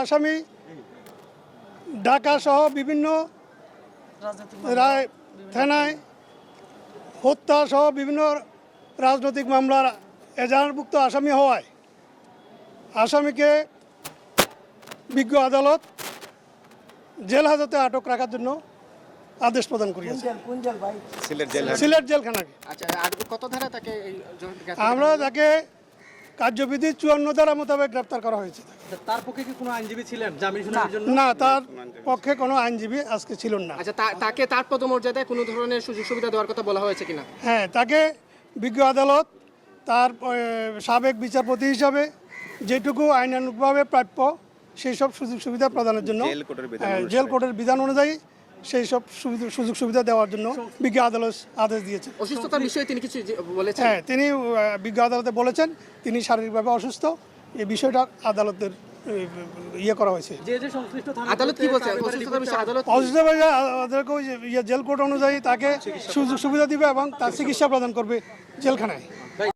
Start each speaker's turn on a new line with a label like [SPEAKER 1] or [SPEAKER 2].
[SPEAKER 1] আসামি ঢাকা সহ বিভিন্ন থানায় হত্যা সহ বিভিন্ন রাজনৈতিক মামলার এজাহারভুক্ত আসামি হওয়ায় আসামিকে বিজ্ঞ আদালত জেল হাজতে আটক রাখার জন্য আদেশ প্রদান করিয়েছে সিলেট জেলখানাকে।
[SPEAKER 2] আচ্ছা, আর কত ধারা তাকে
[SPEAKER 1] আমরা তাকে কার্যবিধি 54 ধারা মোতাবেক গ্রেপ্তার করা হয়েছে।
[SPEAKER 3] তার পক্ষে কি কোনো আইনজীবী ছিলেন জামিন শুনানির জন্য?
[SPEAKER 1] না, তার পক্ষে কোনো আইনজীবী আজকে ছিলেন না।
[SPEAKER 2] আচ্ছা, তাকে তার পদমর্যাদায় কোনো ধরনের সুযোগ সুবিধা দেওয়ার কথা বলা হয়েছে কিনা?
[SPEAKER 1] হ্যাঁ, তাকে বিজ্ঞ আদালত তার সাবেক বিচারপতি হিসাবে যেটুকু আইনানুগভাবে প্রাপ্য সেই সব সুযোগ সুবিধা প্রদানের জন্য জেল কোর্টের বিধান অনুযায়ী সেই সব সুযোগ সুবিধা দেওয়ার জন্য বিজ্ঞ আদালত আদেশ দিয়েছে।
[SPEAKER 2] অসুস্থতার বিষয়ে তিনি কিছু বলেছেন?
[SPEAKER 1] হ্যাঁ, তিনি বিজ্ঞ আদালতে বলেছেন তিনি শারীরিকভাবে অসুস্থ। এই বিষয়টা আদালতের ইয়ে করা হয়েছে।
[SPEAKER 3] যে সংশ্লিষ্ট থানা
[SPEAKER 2] আদালত কি বলছে অসুস্থতার বিষয়ে?
[SPEAKER 1] অসুস্থ আদালতকে জেল কোর্ট অনুযায়ী তাকে সুযোগ সুবিধা দিবে এবং তার চিকিৎসা প্রদান করবে জেলখানায়।